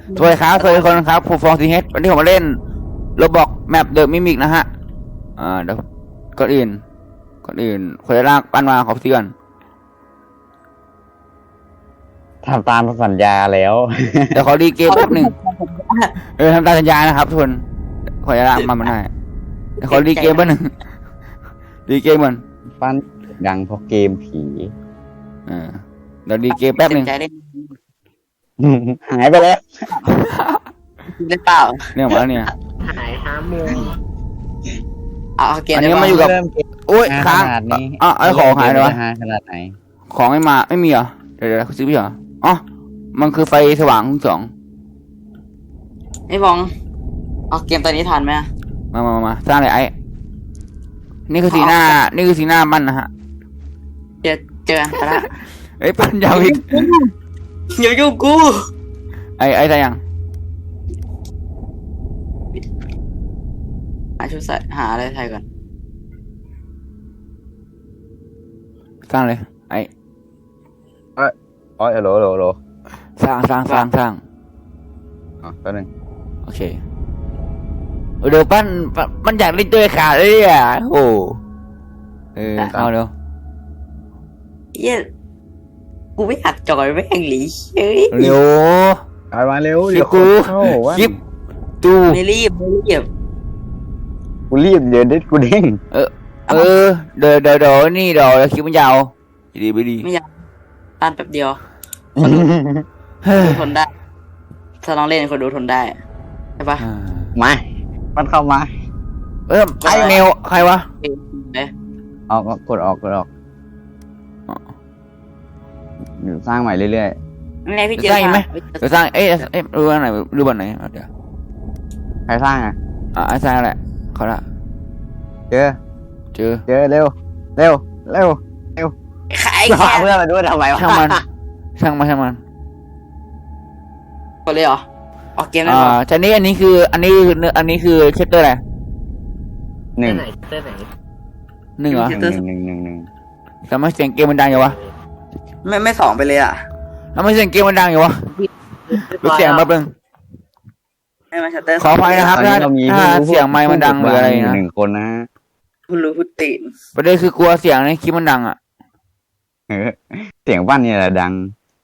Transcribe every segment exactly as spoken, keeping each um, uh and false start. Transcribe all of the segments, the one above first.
สวัสดีครับสวัสดีคนครับผมฟองซีเฮดวันนี้ผมมาเล่นโรบอกแมปเดอะมิมิกนะฮะอ่าเดี๋ยวก่อนอื่นก่อนอื่นคนจะลากปั้นมาขอพี่ก่อนทำตามสัญญาแล้วเดี๋ยวขอดีเกมแป๊บหนึ่งเออทำตามสัญญานะครับทุกคนขอจะลากมันมาได้เดี๋ยวขอดีเกมแป๊บหนึ่งดีเกมมันฟันดังเพราะเกมผีเออเดี๋ยวดีเกมแป๊บหนึ่งใจได้หายไปแล้วหรือเปล่าเนี่ยมาแล้วเนี่ยหายห้าโมงเอาเอาเกมอันนี้ได้มาอยู่ปะกับเริ่มเกมโอ้ยขค้างนาดนี้อ่ะไอ้ของหายเลยวะฮาขนาดไหนของไม่มาไม่มีเหรอเดี๋ยวเดี๋ยวซื้อพี่เหรออ๋อมันคือไฟสว่างทั้งสองไอ้บองเอาเกมตัวนี้ทันไหมมามามามาสร้างเลยไอ้นี่คือสีหน้านี่คือสีหน้ามันนะฮะเจอเจอไปละเอ้ยปั้นยาวอีกอย่ายุ่งกูไอ้ไอ้ใส่ยังหาชุดใส่หาอะไรใส่ก่อนสร้างเลยไอ้อ๋อโหลโหลโหลสร้างสร้างสร้างสร้างอ๋อแป๊บนึงโอเคเดี๋ยวปั้นปั้นมันอยากเล่นตัวขาดเลยอ่ะโอ้เออเอาเร็วเย้กูไม่อยากจอยแม่งหลีเฮ้ยเร็วเอามาเร็วคลิเดี๋ปยวกูเข้าว่าคลิปดูไม่รีบไม่รีบกูรีบเดี๋ยวเด็ดกูเด้งเออเออเดี๋ยวเดี๋ยวเดี๋ยวนี่เดี๋ยวคลิปมันยาวดีไม่ดีไม่อยากตันแป๊บเดียวเฮ้ยดูทนได้ ถ้าลองเล่นคนดูทนได้ใช่ปะมามันเข้ามาเออไอเมลใครวะเอ้ยเอ้ยออกกดออกกดออกเดี๋ยวสร้างใหม่เรื่อยไม่ไงพี่เจอสร้างอีกไหมพี่เจอเดี๋ยวสร้างเอ๊ะเอ๊ะดูอันไหนดูบันไหนเดี๋ยวๆใครสร้างอ่ะอ่ะไอ้สร้างแหละเขาละเจอเจอเจอเร็วเร็วเร็วขายพาแค่เพื่อนมาด้วยทำไมวะช่างมันช่างมันช่างมันคนเลยเหรอออกเกมได้อ่าเหรอทีนี้อันนี้คืออันนี้คืออันนี้คือเชตเตอร์อะไรหนึ่งไหนเตอร์ไหนหนึ่งเหรอหนึ่งหนึ่งหนึ่งหนึ่งทำไมเสียงเกมมันดังอยู่วะไม่ไม่สองไปเลยอ่ะทำไมเสียงเกมมันดังอยู่วะดูเสียงแป๊บนึงไม่มาชัตเตอร์ขออภัยนะครับตอนนี้เรามีถ้าเสียงไมค์มันดังหรืออะไรนะหนึ่งคนนะคุณรู้คุณตีนประเด็นคือกลัวเสียงในคลิปมันดังอ่ะเออเสียงบ้านนี่แหละดัง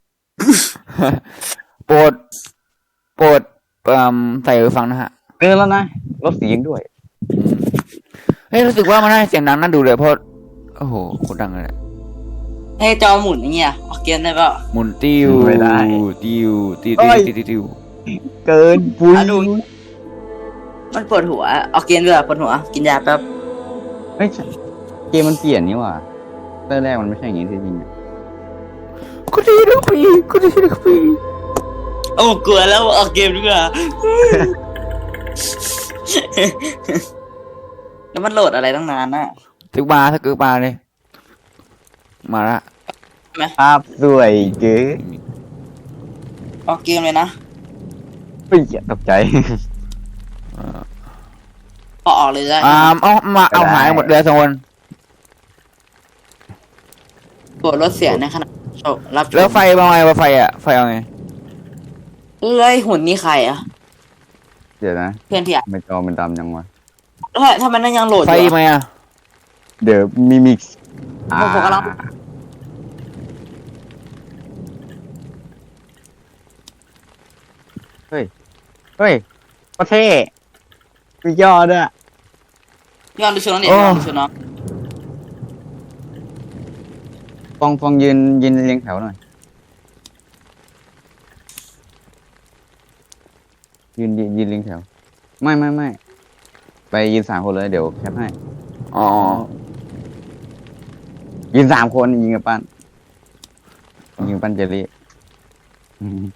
โปรดโปรดเอ่อใส่หูฟังนะฮะเกินแล้วนะลดเสียงด้วยเฮ้ยรู้สึกว่ามันได้เสียงดังน่าดูเลยเพราะโอ้โหโคตรดังเลยเฮ้ยจอหมุนอย่างเงี้ยออกเกมได้เปล่าหมุนติ้วไม่ได้ติ้วติ้วโอ้ติ้วย ติ้วติ้วเกินปุ้ยอ่ะดูมันปวดหัวออกเกมด้วยปวดหัว กินยาแป๊บเฮ้ยเกมมันเปลี่ยนนี่หว่าเตอร์แรกมันไม่ใช่อย่างนี้ที่จริงอะกูดีนะพี่กูดีนะพี่โอ้กลัวแล้วออกเกมด้วยแล้วมันโหลดอะไรตั้งนานน่ะถึงมาถ้าเกิดมาเลยมาละภาพสวยเก๋ออกเกมเลยนะเฮ้ยอย่าตกใจพอออกเลยได้อ่าเอามาเอาหายหมดเลยสองคนกดลดเสียงในขณะชมรับชมแล้วไฟเป็นไงวะไฟอ่ะไฟเอาไงเอ้ยหุ่นนี่ใครอ่ะเดี๋ยวนะเพื่อนที่อ่ะไม่จอมันดำยังวะแล้วทำไมนั่นยังโหลดอไฟยู่ไหมอะอ่ะเดี๋ยวมิมิกซ์ผมผมกำลังเฮ้ยเฮ้ยประเทศคือยอดอะย้อนดูชุดน้องเด็กย้อนดูชุดน้องฟองฟองยืนยืนเรียงแถวหน่อยยืนยืนยืนเรียงแถว ไม่ไม่ไม่ไปยืนสามคนเลยเดี๋ยวแคปให้อ๋อยืนสามคนยิงกับปั้นยิงกับปั้นเจลลี่อืม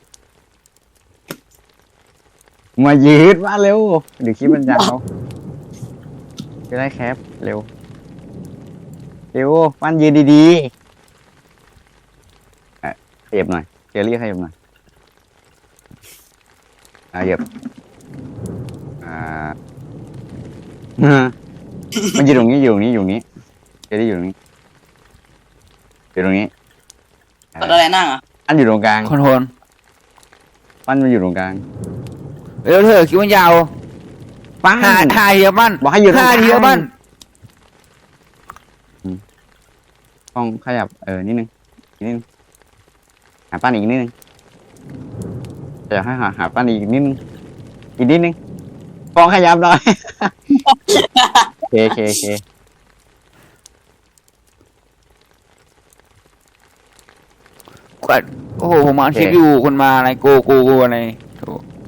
มายืดมาเร็วเดี๋ยวคลิปมันยาวจะได้แคปเร็วเร็วปั้นยืนดีๆอ่ะขยับหน่อยเจลลี่ขยับหน่อยอ่ะขยับอ่า มันอยู่ตรงนี้อยู่ตรงนี้อยู่ตรงนี้เจลลี่อยู่ตรงนี้อยู่ตรงนี้กดอะไรนั่งอ่ะอันอยู่ตรงกลางคอนโทรลปั้นมันอยู่ตรงกลางเร็วเถอะคิดว่ายาวปั้นห้าห้าเทียบมันบอกให้อยู่ตรงห้ากลางเทียบมันต้องขยับเออนิดนึงนิดนึงหาปั้นอีกนิดนึงจะให้หาหาปั้นอีกนิดนึงอีกนิดนึงฟองขยับหน่อย โอเคโอเคโอเคกดโอ้โหผมมาคลิปอยู่คนมาอะไรโกโกโกอะไรโถ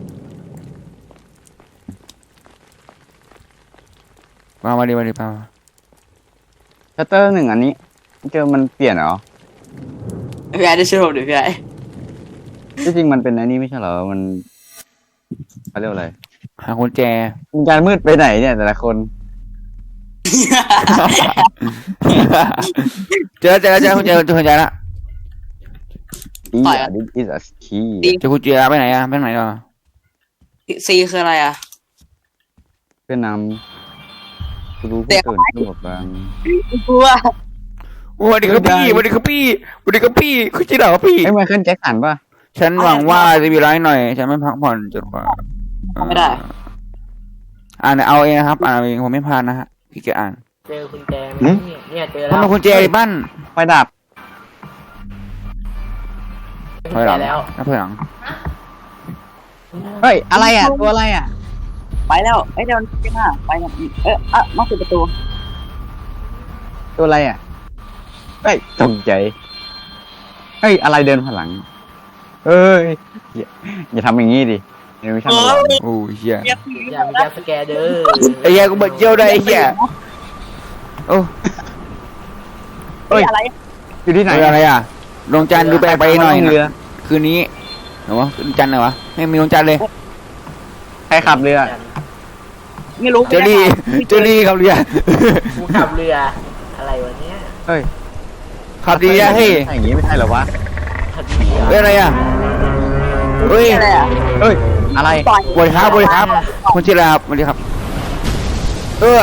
มามาดิมาดิมาชัตเตอร์หนึ่งอันนี้เจอมันเปลี่ยนเหรอพี่ไอ้ได้ช่วยผมดิพี่ไอ้ที่จริงมันเป็นอันนี้ไม่ใช่เหรอมันเขาเรียกว่าอะไรหากุญแจมันการมืดไปไหนเนี่ยแต่ละคนเจอเจอเจอกุญแจเจอกุญแจละอีอ่ะ this is a key เจอกุญแจไปไหนอะไปไหนอ่ะซีคืออะไรอ่ะเพื่อนนำผู้รู้ผู้ตื่นผู้บอบบางกลัวโอ้สวัสดีครับพี่สวัสดีครับพี่สวัสดีครับพี่คุณจีเหรอพี่ไอ้ไมเคิลแจ็คสันป่ะฉันหวังว่าจะมีร้ายหน่อย ฉันไม่พักผ่อนจนกว่าไม่ได้อ่านเอาเองนะครับ อ่านเอาเองผมไม่พลาดนะฮะพี่แกอ่านเจอคุณแจไหมเนี่ยเนี่ยเจอมันแล้วเป็นกุญแจไอ้บ้านไฟดับเจถอยอหลังแล้วนับถอยหลังเฮ้ยอะไรอ่ะตัวอะไรอ่ะไปแล้วไอ้เดี๋ยวจะมาไปแล้วเอออ่ะมาปิดประตูตัวอะไรอ่ะเฮ้ยตกใจเฮ้ยอะไรเดินผ่านหลังเอ้ยอย่าอย่าทำอย่างงี้ดิเดี๋ยวไม่ใช่มันหลอนโอ้ยเหี้ยเรียกอย่ามีการสแกนเด้อไอ้เหี้ยกูเบิดเยี่ยวได้ไอ้เหี้ยโอ้เฮ้ยอะไรอยู่ที่ไหนเรืออะไรอ่ะดวงจันทร์ดูแปลกไปหน่อยเรือนะคืนนี้เหรอวะดวงจันทร์เหรอวะไม่มีดวงจันทร์เลยใครขับเรือไม่รู้เจอรี่เจอรี่ขับเรือกูขับเรืออะไรวะเนี่ยเฮ้ยขับดีอะเฮ้ยใช่อย่างงี้ไม่ใช่เหรอวะขับเรือเฮ้ยอะไรอ่ะเฮ้ยอะไรอ่ะเฮ้ยอะไรปล่อยบริครับบริครับคุณชื่ออะไรครับสวัสดีครับ เออ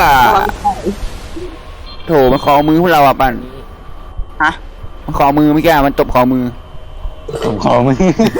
โถมันขอมือพวกเราอ่ะปันฮะมันขอมือไม่แก้มันตบขอมือผมขอมึง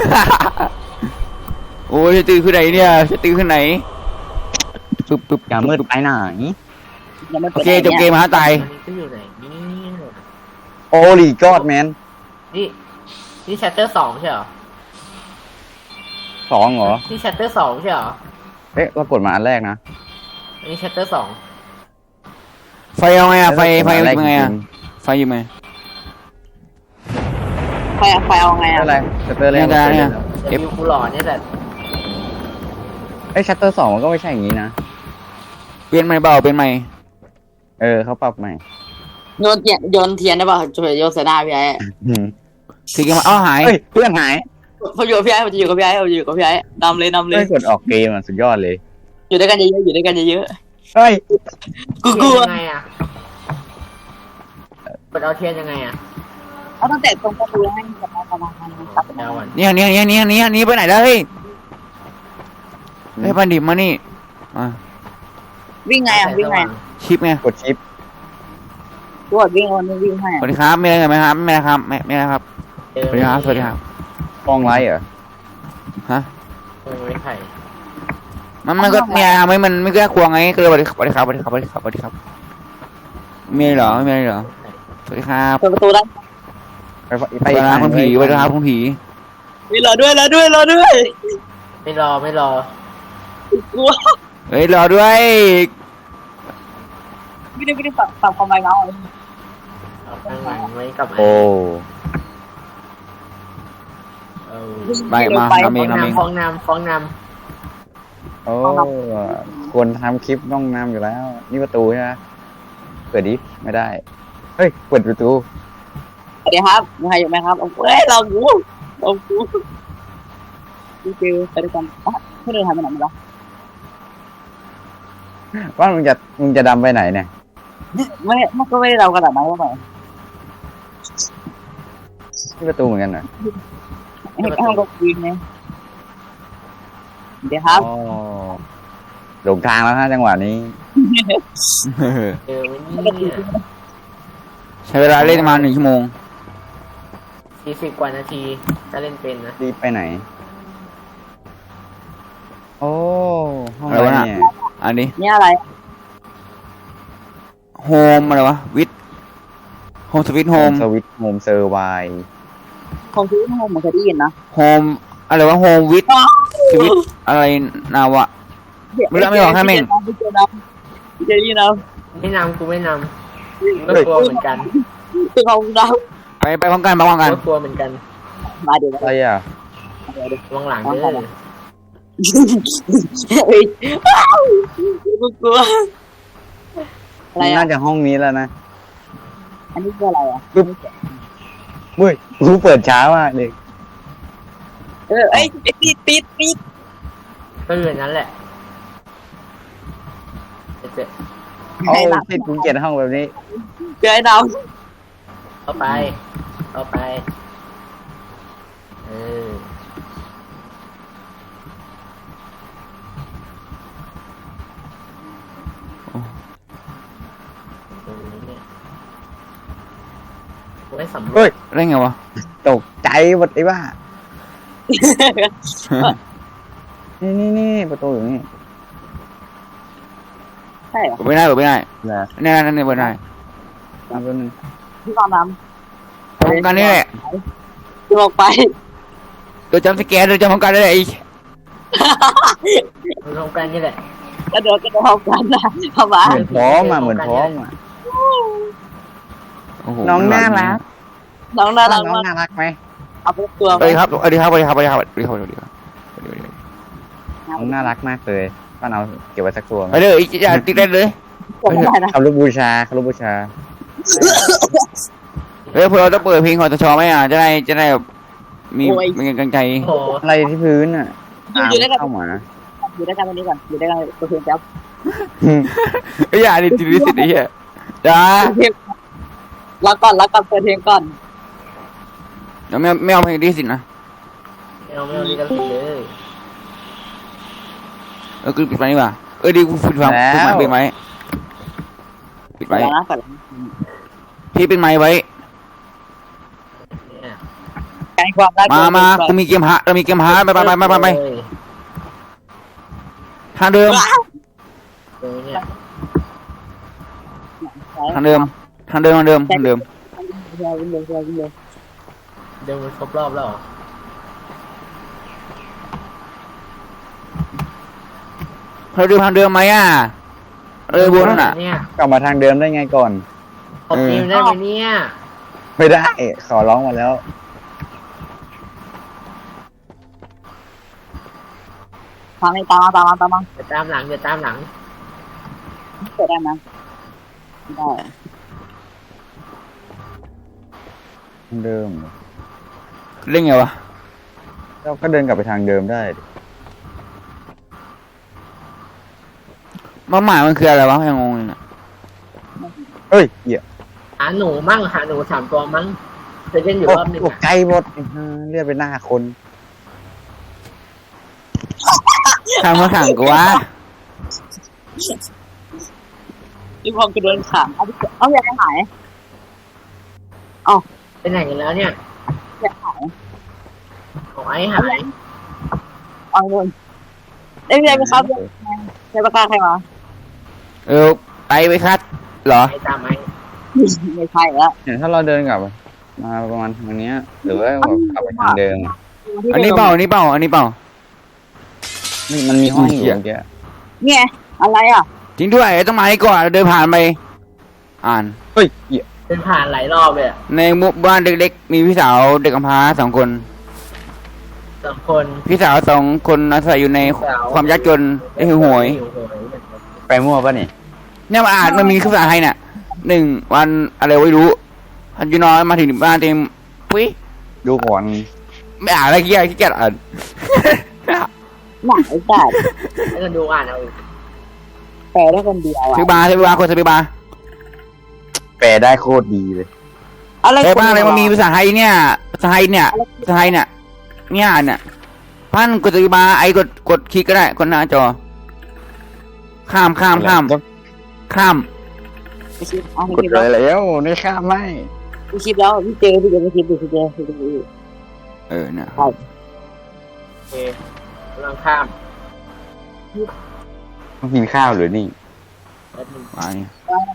โอ้ยจะตื่นขึ้นไหนเนี่ยจะตื่นขึ้นไหนปึ๊บปึ๊บอย่ามืดไปไหนยังไม่โอปิดเคจบเกมมาตายอันนี้ก็อยู่ไหนนี่โอลีกอดแมนนี่นี่ชัตเตอร์สองใช่เหรอสองเหรอนี่ชัตเตอร์สองใช่เหรอเอ๊ะเรากดมาอันแรกนะอันนี้ชัตเตอร์สองไฟเอาไงอ่ะไฟไฟอันแรกยังไงอ่ะจริไฟยังไงไฟไฟเอาไงๆอ่ะอะไรชัตเตอร์แรกเนี่ยเนี่ยเอฟกูหล่อเนี่ยแต่เอ้ยชัตเตอร์สองมันก็ไม่ใช่อย่างนี้นะเปลี่ยนใหม่เบาเปลี่ยนใหม่เออเขาปรับใหม่โยนเทียนโยนเทียนได้ป่ะจะโยนใส่หน้าพี่ไอ้อืมทีเกมมาอ้าวหายเฮ้ยเพื่อนหายเขาอยู่กับพี่ไอ้ผมจะอยู่กับพี่ไอ้ผมจะอยู่กับพี่ไอ้นำเลยนำเลเฮ้ยยกดออกเกมอ่ะสุดยอดเลยอยู่ด้วยกันเยอะๆอยู่ด้วยกันเยอะเฮ้ยๆกูกลัวยังไงอ่ะกดเอาเทียนยังไงอ่ะเอาตั้งแต่ตรงประตูให้กับมาประมาณนั้นครับเอาวันเนี่ยเนี่ยเนี่ยเนี่ยเนี่ยเนี่ยไปไหนแล้วเฮ้ยเฮ้ยปันดิบมานี่อ่ะวิ่งไงอ่ะวิ่งไงชิปไงกดชิปตรวจวิ่งวันนี้วิ่งให้สวัสดีครับมีอะไรกันไหมครับไม่นะครับไม่ไม่นะครับเจอสวัสดีครับสวัสดีครับฟองไลท์เหรอฮะเออไม่ไผ่มันมันก็เนี่ยทำให้มันไม่กล้ากลัวไงก็เลยสวัสดีครับสวัสดีครับสวัสดีครับสวัสดีครับสวัสดีครับมีอะไรเหรอไม่มีอะไรเหรอสวัสดีครับเปิดประตูได้ไปสวัสดีครับคุณผีสวัสดีครับคุณผีมีรอด้วยรอด้วยรอด้วยไม่รอไม่รอกลัวเฮ้ยรอด้วยไม่ได้ไม่ได้ปรับปรับความไวเมาส์เอาข้างหลังไว้กับโอ้เออไปมาทำเองทำเองฟ้องนำฟ้องนโอ้ควรทำคลิปต้องนำอยู่แล้ว นี่ประตูใช่ไหมเปิดดิไม่ได้ เฮ้ยเปิดประตูสวัสดีครับมีใครอยู่ไหมครับเอ้ยเรากูเรากูพี่เจอไปด้วยกันอ่ะไม่เดินทางไปไหนมาหรอว่ามึงจะมึงจะดำไปไหนเนี่ยไม่มันก็ไม่ได้เรากระดาษนั้นก็ไปนี่ประตูเหมือนกันเหรอให้ให้เราคุยไงเดี๋ยวครับอ๋อหลงทางแล้วฮะจังหวะนี้ำเจอไหมเนี่ยใช้เวลาเล่นประมาณหนึ่งชั่วโมงสี่สิบกว่านาทีถ้าเล่นเป็นนะรีบไปไหนโอ้ห้องอะไรอะไรวะน่ะเนี่ยอันนี้เนี่ยอะไรโฮมอะไรวะวิทโฮมสวิตโฮมสวิตโฮมเซอร์ไวของที่ห้องผมเคยได้ยินนะโฮมอะไรวะโฮมวิทสวิตอะไรนาวะ ไม่ได้ไม่บอกให้แม่งพี่เจนะพี่เจนี่นะไม่นำกูไม่นำก็กลัวเหมือนกันคือของเราไปไปพร้อมกันไปพร้อมกันก็กลัวเหมือนกันมาเดี๋ยวอะไรอ่ะวางหลังเด้อเฮ้ยกูกลัวอะไรมันอ่ะน่าจะห้องนี้แล้วนะอันนี้คืออะไรอ่ะเว้ยรู้เปิดช้ามากเลยเออไอ้ปิดปิดปิดปิดก็อยู่นั้นแหละเจ๊เอาติดกูเกลียดห้องแบบนี้เจอไอ้ดาวเข้าไปเข้าไปเออตรงนี้เนี่ยไว้สำรวเฮ้จยได้ไงวะตกใจหมดไอ้บ้า นี่นี่นี่ประตูอยู่นี่ใช่เหรอเปิดไม่ได้เปิดไม่ได้นะนี่นั่นนี่เปิดได้เอาแป๊บนึงพี่ตอนน้พร้อมกันนี่แหละำจะบอกไปโดยจำสแกนโดยจำพร้อมกันได้เลยไอ้มันตรงกันนี่แหละกระโดดกระโดดพร้อมกันนะเข้ามาเหมือนพร้อมอ่ะเหมือนพร้อมอ่ะโอ้โหน้องน่ารักน้องน่ารักน้องมากน่ารักไหมเอาไปตัวสไปวัสดีครับสวัสดีครับสวัสดีครับสวัสดีครับสวัสดีครับสวัสดีครับสวัสดีครับน้องน่ารักมากเลยป้าเอาเก็บไว้สักตัวไหมไปเลยอย่าติดได้เลยผมไม่ได้นะคำรูปบูชาคำรูปบูชาเฮ้ยพวกเราต้องเปิดเพลงของตชไหมอ่ะจะได้จะได้แบบมีมีกำลังใจโอ้โหอะไรที่พื้นอ่ะอยู่อยู่ด้วยกันเข้ามาอยู่ด้วยกันตรงนี้ก่อนอยู่ด้วยกันตัวเพียงแป๊บเฮ้ยอย่าดิติดลิสิตไอ้เหี้ยจ้ารักก่อนรักก่อนเปิดเพลงก่อนเดี๋ยวไม่ไม่เอาเพลงลิสิตนะไม่เอาไม่เอาลิขสิทธิ์เลยเออกูปิดไมค์ดีกว่าเออดีกูปิดฟังปิดไมค์ปิดไมค์ปิดไมค์นะก่อนพี่ปิดไมค์ไว้เนี่ยการความรักมามากูมีเกมฮะเรามีเกมฮะไปไปไปไปไปไปเลยทางเดิมตรงนี้เนี่ยทางเดิมทางเดิมทางเดิมทางเดิมเร็วเร็วเร็วเร็วเดินมันครบรอบแล้วเหรอเราเดิมทางเดิมไหมอ่ะเออบัวนั่นน่ะเนี่ยกลับมาทางเดิมได้ไงก่อนขอบทีมได้ไหมเนี่ยไม่ได้ ขอร้องมาแล้วทางนี้ตามมาตามมาตามมาจะตามหลังจะตามหลังเปิดได้ไหมได้ทางเดิมเล่นไงวะเราก็เดินกลับไปทางเดิมได้ดิมาหมายมันคืออะไรวะยังงงเลยน่ะเฮ้ยเหี้ยหาหนูมั่งหาหนูสามตัวมั่งจะเล่นอยู่โอ้รอบหนึ่งตกอะใจหมดอื้อหือเลือดไปหน้าคนทางมาสั่งกูวะที่พอกูโดนขังเอาเอาอยากหายไปไหนกันแล้วเนี่ยอยากหายของไอ้หายเอาเงินเอ้ยไม่ครับใครประกาศใครมาเออไปไปคัดเหรอไอ้ตามไอ้ไม่ใช่แล้วเนี่ยถ้าเราเดินกลับมาประมาณทางเนี้ย หรือว่าแบบกลับไปทางเดิมอะอันนี้เปล่าอันนี้เปล่าอันนี้เปล่านี่มันมีห้องอยู่เหี้ยเมื่อกี้เนี่ยอะไรอ่ะจริงด้วยต้องมาให้ก่อนเดินผ่านไป อ่านเฮ้ยเหี้ยเป็นผ่านหลายรอบเลยอะในหมู่บ้านเด็กๆมีพี่สาวเด็กกำพร้าสองคนสองคนพี่สาวสองคนอาศัยอยู่ในความยากจนได้หิวโหยหิวโหยไปมั่วปะนี่เนี่ยมาอ่านมันมีภาษาไทยน่ะหนึ่งวันอะไรไม่รู้พันจุน้อยมาถึงบ้านเต็มปุ๊ยดูก่อนไม่อ่านอะไรขี้เกียจขี้เกียจอ่านหนักไอ้สัตว์แล้วก็ดูอ่านเอาอีกแปลได้คนเดียวอ่ะซื้อบาร์ซื้อบาร์คนซื้อบาร์แปลได้โคตรดีเลยอะไรเออบ้านอะไรมันมีภาษาไทยเนี่ยภาษาไทยเนี่ยภาษาไทยเนี่ยเนี่ยอ่านเนี่ยพันกดซื้อบาร์ไอ้กดกดคลิกก็ได้กดหน้าจอ ข้ามข้ามข้ามข้ามไปคลิปเอาไปกดคลิปเลแล้วยแล้วนี่ข้ามไม่ไปคลิปแล้วพี่เจพี่เจไปคลิปดูพี่เจพี่เจเออเนี่ยโอเคกำลังข้ามต้องกินข้าวหรือนี่มาเนี่ย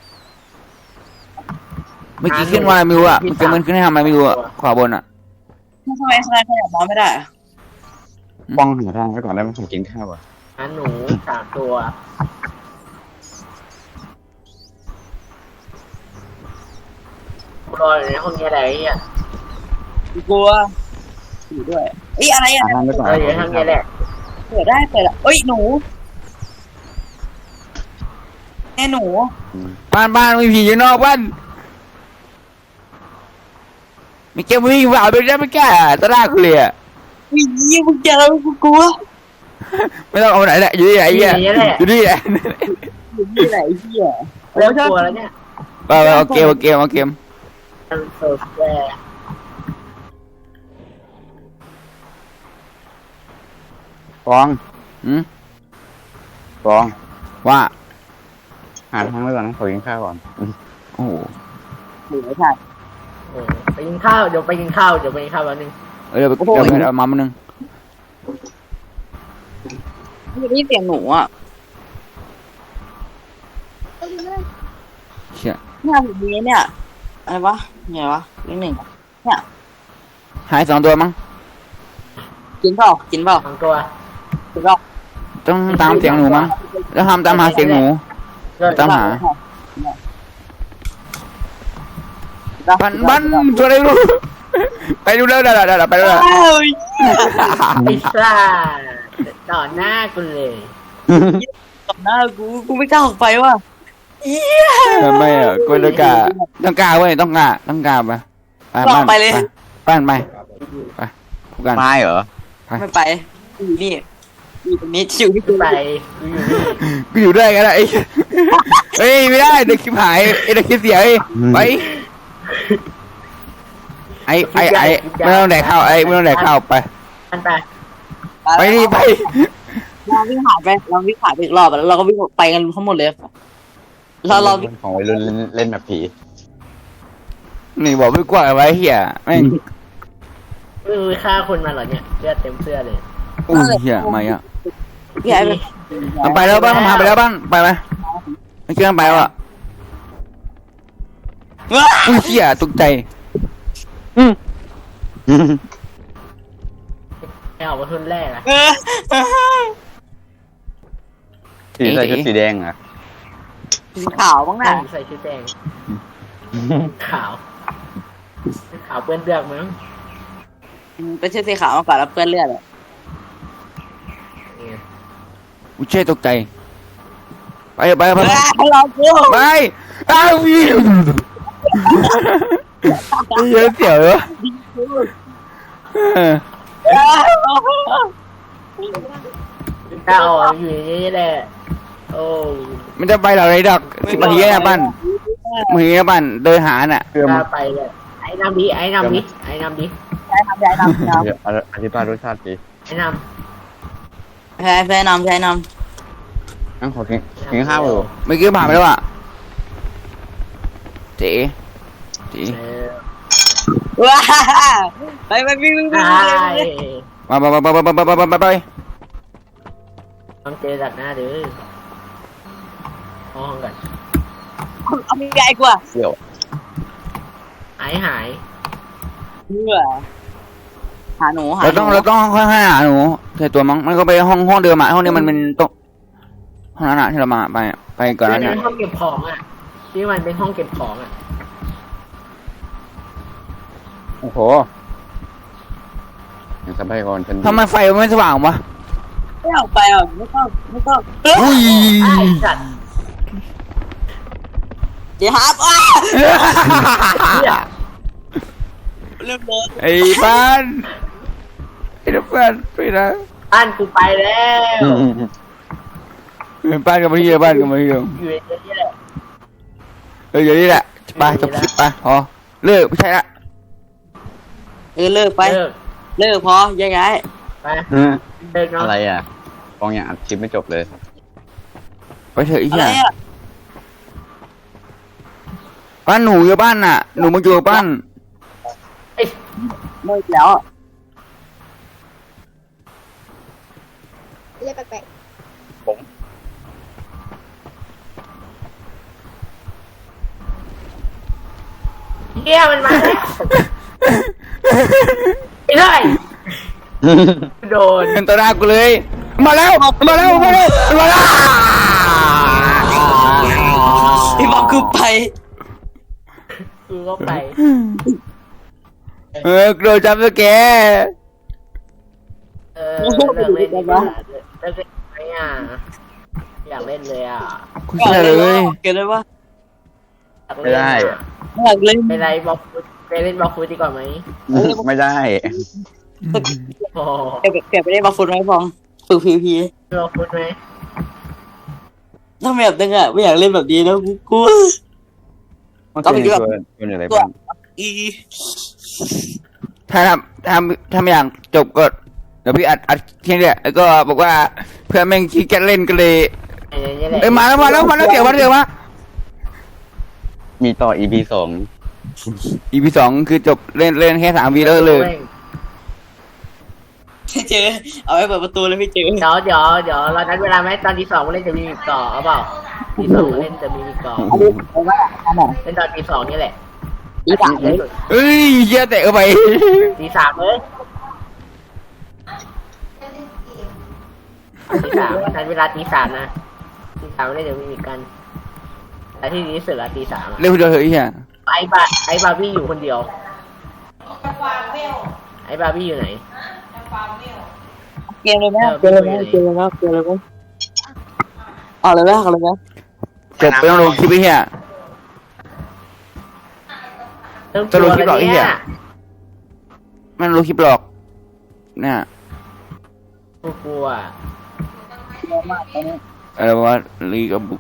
เมื่อกี้ขึ้นว่าอะไรไม่รู้อ่ะเมื่อกี้มันขึ้นให้ทำอะไรไม่รู้อ่ะขวาบนอ่ะทำไมทำไมขยับมาไม่ได้อะป้องหาทางไว้ก่อนได้ไหมผมกินข้าวก่อนหาหนูสามตัวกูรออยู่ในห้องนี้อะไรอ่ะกลัวอยู่ด้วยเอ้ยอะไรอ่ะหาทางไว้ก่อนเราอยู่ในห้องนี้แหละเปิดได้เปิดอะเอ้ยหนูแม่หนูบ้านบ้านมีผีอยู่นอกบ้านมีเกมวิ่งฝ่าไปได้ไม่แก่ตะลากกูเลยอ่ะวิ่งยี่มึงเจอแล้วกูกลัวไม่ต้องเอาไหนแหละอยู่ที่ไหนอ่ะอยู่ที่ไหนอยู่ที่ไหนเหี้ยเริ่มกลัวแล้วเนี่ยไปไปเอาเกมเอาเกมเอาเกมมันเซิร์ฟแวร์ฟองอืมฟองว่าหาทางไว้ก่อนนะขอกินข้าวก่อนโอ้โหหนูไม่ใช่เออไปกินข้าวเดี๋ยวไปกินข้าวเดี๋ยวไปกินข้าวแป๊บนึงเออเดี๋ยวไปเดี๋ยวไปเอามามานึงไม่ได้ยินเสียงหนูอ่ะเชี่ยเนี่ยแบบนี้เนี่ยอะไรวะไงวะเลขหนึ่งเนี่ยหายสองตัวมั้งกินเปล่ากินเปล่าสองตัวกินเปล่าต้องตามเสียงหนูมั้งแล้วทำตามหาเสียงหนู ตามหา บันบันตัวอะไรไม่รู้ไปดูแล้วเดี๋ยวเดี๋ยวไปดูแล้วอ้าวพิซซ่าต่อหน้ากูเลยต่อหน้ากูกูไม่กล้าออกไปว่ะทำไมอ่ะกูต้องกล้าต้องกล้าเว้ยต้องกล้าต้องกล้าไปไปบ้านไปบ้านไปไปพูดกันไม่เหรอไม่ไปอยู่นี่อยู่ตรงนี้อยู่ที่กูไปกูอยู่ด้วยกันไอ้เฮ้ยไม่ได้เด็กคลิปหายไอ้เด็กคลิปเสียไปไอ้ไอ้ไอ้ไม่ต้องแดกข้าวไอ้ไม่ต้องแดกข้าวไปอันไปไปดิไปเราวิ่งหายไปเราวิ่งหายไปอีกรอบแล้วเราก็วิ่งไปกันทั้งหมดเลยเราเราวิ่งของวัยรุ่นเล่นเล่นแบบผีนี่บอกไม่กลัวไว้เหี้ยแม่งเออฆ่าคนมาเหรอเนี่ยเลือดเต็มเสื้อเลยอู้เหี้ยไม่อ่ะพี่ไอ้ไปมันไปแล้วบ้านมันพาไปแล้วบ้านไปไหมไม่เชื่อไปว่ะอุ้ยเหี้ยตกใจไอ้ออกมาทุนแรกอะเออสีใส่ชุดสีแดงเหรอสีขาวบ้างนะใส่ชุดแดงขาวขาวเปื้อนเลือดมั้งเป็นเชือกสีขาวมาก่อนแล้วเปื้อนเลือดเลยอุ้ยเช่ตกใจไปไปไปเรากูไปอ้าววิวเยอะเสียวเหรอถ้าออกอยู่อย่างนี้แหละโอ้มันจะไปเหล่าไรดอกสิบนาทีนะบ้านมือบ้านเดินหาน่ะเพื่อถ้ามาไปเลยไอ้นำดิไอ้นำดิไอ้นำดิใช่ทำใช่ทำครับเดี๋ยวอธิบายรสชาติดีไอ้นใช่ใช่นำใช่นงั้นขอกินกินข้าวอยู่เมื่อกี้ผ่านไปแล้วอ่ะเจ๋เจ๋ำเออำว้าไปไปวิ่งวิ่งวิ่งได้มาไปไปไปไปไปไปไปต้องเจอดักหน้าเด้อห้องกันเอาไม่ใหญ่กว่าเดี๋ยวหายหายเหนื่อยหาหนูหาเราต้องเราต้องค่อยๆหาหนูใส่ตัวมั้งมันก็ไปห้องห้องเดิมอ่ะห้องนี้มันเป็นโต๊ะห้องนั้นอ่ะที่เรามาไปไปก่อนที่นั้นเป็เนี่ยนห้องเก็บของอ่ะที่มันเป็นห้องเก็บของอ่ะโอ้โหอย่างสบายก่อนฉันทำไมไฟมันไม่สว่างวะไม่ออกไปอ่ะไม่ต้องไม่ต้องอุ้ยไอ้สัตว์เดี๋ยวครับอ้าเหี้ยเริ่มเลยไอ้บ้านไอ้เพื่อนไปนะบ้านกูไปแล้วบ้านกันมาที่เดียวบ้านกันมาที่เดียวอยู่ในนี้แหละเอออยู่นี่แหละไปจบคลิปไปพอเลิกไม่ใช่ละเออเลิกไปเลิกเลิกพอแยกย้ายไปเลิกเนาะอะไรอ่ะฟองยังอัดคลิปไม่จบเลยไปเถอะไอ้อะเหี้ไรยอ่ะบ้านหนูอยู่บ้านน่ะหนูมาอยู่บ้านเลิกแล้วเรียกแปลกผมเฮียมันมาแล้วไม่ได้โดนเป็นตัวหน้ากูเลย มาแล้วมาแล้วมาแล้วมาแล้วพี่บอกคือไปกูก็ไปเออโดนจับสแกเออเลิกเล่นดีกว่าเลิกเล่นไหมอ่ะอยากเล่นเลยอ่ะกูเชื่อเลยเกิดอะไรวะอยากเล่นอะอยากเล่นไปไรบอกฟูดไปเล่นบอกฟูดดีกว่าไหมไม่ได้โอ้เก็บเก็บไปได้มาฟุตไหมฟองฝึกพีพีบอกฟูดไหมถ้าไม่แบบนึงอ่ะไม่อยากเล่นแบบนี้แล้วกูกลัวก็เป็นตัวเป็นอะไรบ้างอีถ้าทำทำทำอย่างจบก็เดี๋ยวพี่อัดอัดทีเนี้ยแล้วก็บอกว่าเพื่อนแม่งขี้เกียจเล่นก็เลยไอ้เนี่ยแหละเอ้ยมาแล้วมาแล้วมาแล้วเดี๋ยวมาเดี๋ยวมามีต่อ อี พี สองอีพีสองคือจบเล่นเล่นแค่สามวีแล้วเลยพี่เจอเอาไว้เปิดประตูเลยพี่เจอเดี๋ยวเดี๋ยวเดี๋ยวเรานัดเวลาไหมตอนที่สองมาเล่นจะมีมิกต่อเอาเปล่าที่สองมาเล่นจะมีมิกต่อเอาดิเอาว่าอันไหนเล่นตอนตีสองนี่แหละอีสามเลยเอ้ยเหี้ยเตะเข้าไปตีสามเลยตีสามนัดเวลาตีสามนะตีสามไม่ได้เดี๋ยวมีมิกกันแต่ที่ดีที่สุดละตีสามเล่นคนเดียวเฮ้ยเหี้ยไอ้บาไอ้บาร์บี้อยู่คนเดียวไอ้บาร์บี้อยู่ไหนเกมเลยไหมเกมเลยไหมเกมเลยไหมเกมเลยไหมเอาเลยไหมเอาเลยไหมจบไปต้องลงคลิปไอ้เหี้ยเริ่มจะลงคลิปหรอไอ้เหี้ยนี่มันลงคลิปหลอกเนี่ยกูกลัวเยอะมากตอนนี้อะไรวะลีกับบุก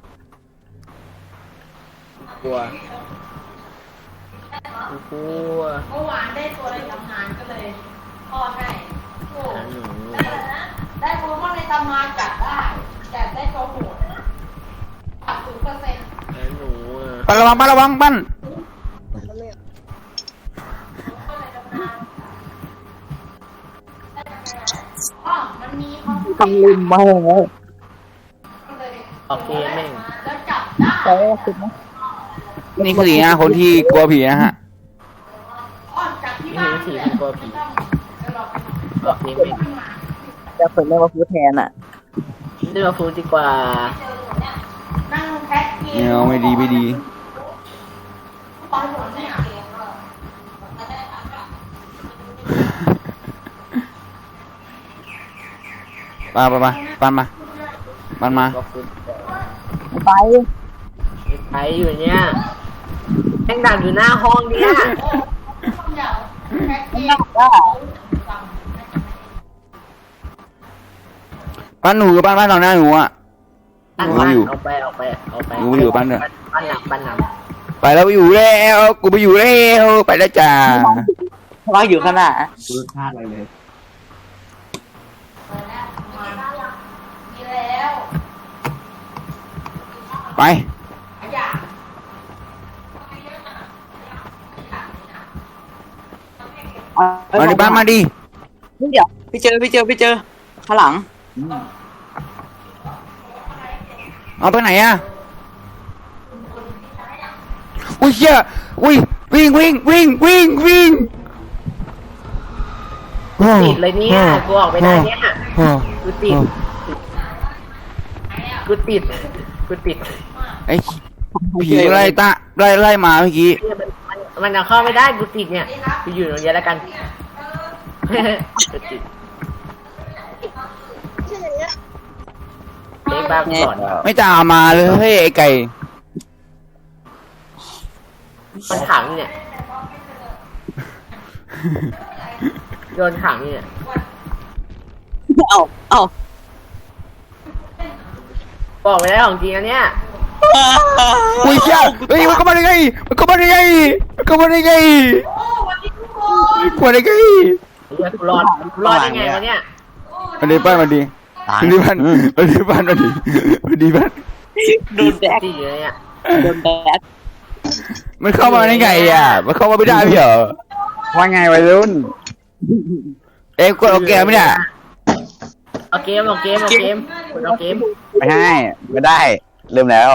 กลัวกูกลัวเมื่อวานได้ตัวในตำนานก็เลยพ่อให้โอ้หาหนูได้โปเกมอนในตำนานจับได้ แต่ได้ตัวโหดตัดศูนย์เปอร์เซ็นต์หาหนูอ่ะปั้นระวังปั้นระวังปั้นอ๋อมันมีเขาทำลืมมาเลยออกเกมแม่งแล้วจับได้ใช่สุดไหมนี่คือสีหน้าคนที่กลัวผีนะฮะอ๋อจับที่ไม่บ้าเห็นนผีมันกลัวผีออกเกมแม่งจะฝึกเล่นมาฟูดแทนอ่ะเลือกฟูดดีกว่านั่งแพ็คเกไม่เอาไม่ดีไม่ดีตอนหัวเนี่ยมาไปมาปั้นมาปั้นมาบอกฟูดไปไปอยู่เนี่ยแม่งดักอยู่หน้าห้องเนี่ยเดี๋ยวแพ็คเกนั่งได้ปั้นหนูกับปั้นปั้นตอนหน้าหนูอ่ะบ้านหนูอยู่เอาไปเอาไปเอาไปหนูอยู่บ้านเนี่ยบ้านหนักบ้านหนักไปแล้วไปอยู่แล้วกูไปอยู่แล้วไปแล้วจ้าว่าอยู่ข้างหน้าดูพลาดอะไรเลยมีแล้วไปอยากมาดิปั้นมาดิเดี๋ยวพี่เจอพี่เจอพี่เจอข้างหลังเอาไปไหนอ่ะอุ้ยเชี่ยอุ้ยวิ่งวิ่งวิ่งวิ่งวิ่งติดเลยเนี่ยกูออกไม่ได้เนี่ยกูติดกูติดกูติดไอ้ผีไล่ตาไล่ไล่มาเมื่อกี้เนี่ยมันมันมันเอาเข้าไม่ได้กูติดเนี่ยกูอยู่ตรงนี้แล้วกันกูติดเด็กบ้ากูสอนไม่ตามมาเลยเฮ้ยไอ้ไก่มันขังเนี่ยโดนขังเนี่ยเอาเอาบอกไม่ได้ของจริงอันเนี้ยอุ้ยเชี่ยเฮ้ยมันเข้ามาได้ไงมันเข้ามาได้ไงมันเข้ามาได้ไงโอ้วันนี้ทุกคนกลัวได้ไงเฮ้ยกูรอดกูรอดได้ไงวะเนี่ยมาดีปั้นมาดีมาดีปั้นมาดีปั้นมาดีมาดีปั้นโดนแดกติดอยู่เนี่ยโดนแดกมันเข้ามาได้ไงอ่ะมันเข้ามาไม่ได้พี่เหรอว่าไงวัยรุ่นเอ้ยกดเอาแกไม่ได้เอเอาเกมเอาเกมเอาเกมกดเอาเกมไม่ให้ไม่ได้ เริ่มแล้ว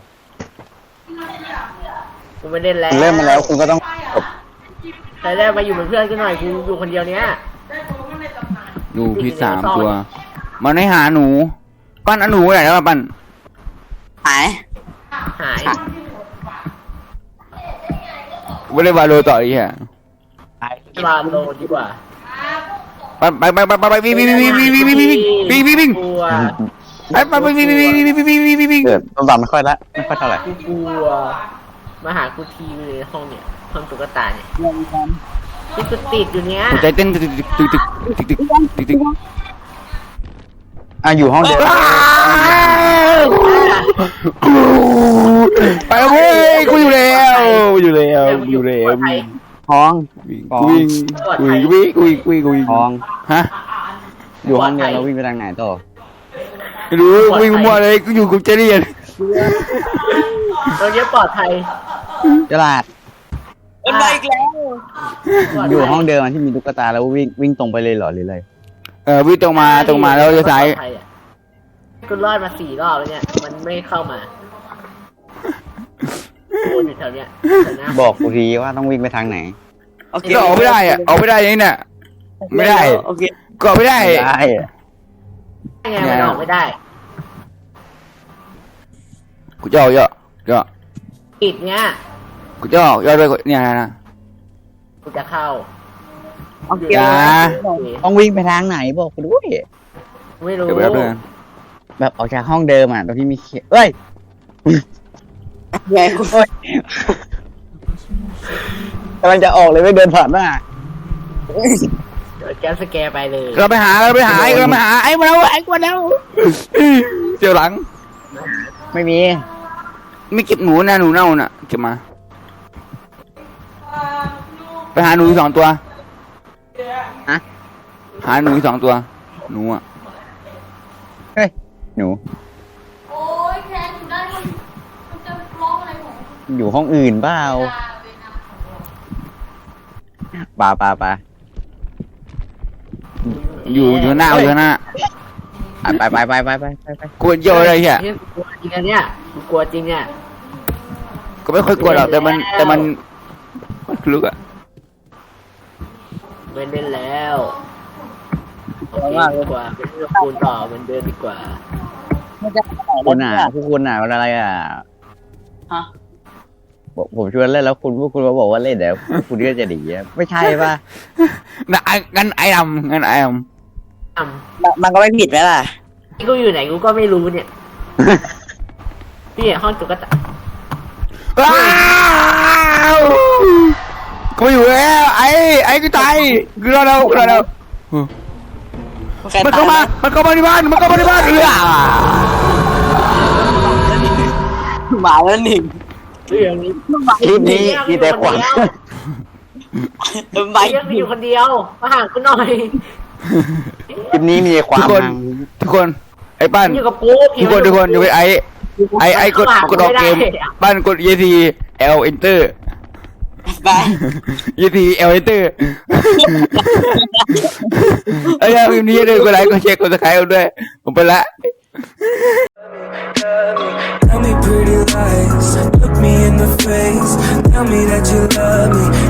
กูไม่เล่นแล้วเริ่มมาแล้วคุณก็ต้องจบใครได้มาอยู่เป็นเพื่อนกันหน่อยกูอยู่คนเดียวเนี้ยดูพี่สามตัว มันให้หาหนู ปั้นเอาหนูไหนแล้วมาปั้นหายหายไม่ได้วาโลต่ออีกฮะบาโลดีกว่าไปไปไปไปไปวิ่งวิ่งวิ่งวิ่งวิ่งวิ่งวิ่งวิ่งวิ่งวิ่งกลัวไปไปไปวิ่งวิ่งวิ่งวิ่งวิ่งวิ่งวิ่งวิ่งวิ่งเกิดต้นตำไม่ค่อยละไม่ค่อยเท่าไหร่กูกลัวมาหากูทีในห้องเนี่ยห้องตุ๊กตาเนี่ยที่กูติดอยู่เนี้ยหัวใจเต้นตึกตึกตึกตึกตึกตึกตึกตึกอ่ะอยู่ห้องเดียวไปเว้ยกูอยู่แล้วอยู่แล้วอยู่แล้ววิ่งห้องวิ่งวิ่งวิ่งวิ่งวิ่งวิ่งห้องฮะอยู่ห้องเดียวเราวิ่งไปทางไหนต่อไม่รู้วิ่งมั่วเลยกูอยู่กับเจเรียนเราเนี้ยปลอดภัยตลาดมันมาอีกแล้วปลดภัอยู่ห้องเดิมที่มีตุ๊กตาแล้ววิ่งวิ่งตรงไปเลยเหรอหรืออะไรเออวิ่งตรงมาตรงมาแล้วจะซ้ายปลอดภัอะกูรอดมาสี่รอบแล้วเนี่ยมันไม่เข้ามากูอยู่แถวเนี้ยแถวหน้าบอกกูทีว่าต้องวิ่งไปทางไหนโอเคก็ออกไม่ได้อะออกไม่ได้ยังเนี่ยไม่ได้โอเคก็ออกไม่ได้ไม่ได้ไงมันออกไม่ได้กูจะออกเยอะเยอะปิดเนี้ยกูจะออกเยอะด้วยเนี่ยนะกูจะเข้าโอเคอย่าต้องวิ่งไปทางไหนบอกกูด้วยไม่รู้เดี๋ยวไปรับเพื่อนแบบออกจากห้องเดิมอ่ะตรงที่มีเขียเอ้ยไงกูกำลังจะออกเลยไม่เดินผ่านหน้าเดี๋ยวแกสแกร์ไปเลยเราไปหาเราไปหาไอ้เราไปหาไอ้มาแล้วไอ้มาแล้วเจียวหลังไม่มีไม่เก็บหนูนะหนูเน่าน่ะเก็บมาไปหาหนูสองตัวฮะหาหนูสองตัวหนูอ่ะเฮ้ยหนูโอ้ยแคนอยู่ได้มันมันจะร้องอะไรของอยู่ห้องอื่นเปล่าเวลาเวลาปาปาปาอยู่อยู่หน้าอยู่หน้าอ่ะไปไปไปไปไปไปไปกลัวเยอะเลยเฮียนี่กูกลัวจริงอันเนี้ยกูกลัวจริงเนี่ยก็ไม่ค่อยกลัวหรอกแต่มันแต่มันลึกอ่ะไม่เล่นแล้วโอเคดีกว่าเป็นเรื่องคูณต่อเหมือนเดิมดีกว่ามันจะคุณอ่ะพวกคุณอ่ะเวลาอะไรอ่ะฮะผมผมชวนเล่นแล้วคุณพวกคุณมาบอกว่าเล่นเดี๋ยวคุณก็จะดีอะไม่ใช่ป่ะนะงั้นไอ้ดำงั้นไอ้ดอ่มันก็ไม่ผิดไหมล่ะำที่กูอยู่ไหนกูก็ไม่รู้เนี่ยพี่ห้องตุ๊กตาำว้าวกูอยู่แล้วไอ้ไอ้กูตายกูรอแล้วกูรอแล้วมันเข้ามามันเข้ามาที่บ้านมันเข้ามาที่บ้านเออหมาแล้วหนึ่งเรื่องนี้คลิปนี้มีแต่ขวัญใบเรื่องมีอยู่คนเดียวมาหากูหน่อยคลิปนี้มีความทุกคนทุกคนไอ้ปั้นอยู่กับกูทุกคนทุกคนอยู่ไอ้ไอ้ไอ้กดกดออกเกมปั้นกด E T L Enter ไป E T L Enter ไอ้ยาพิมพ์นี้เลยกดไลค์กดแชร์กดซับสไครต์ด้วยผมไปละ Tell me pretty lies, look me in the face. Tell me that you love me.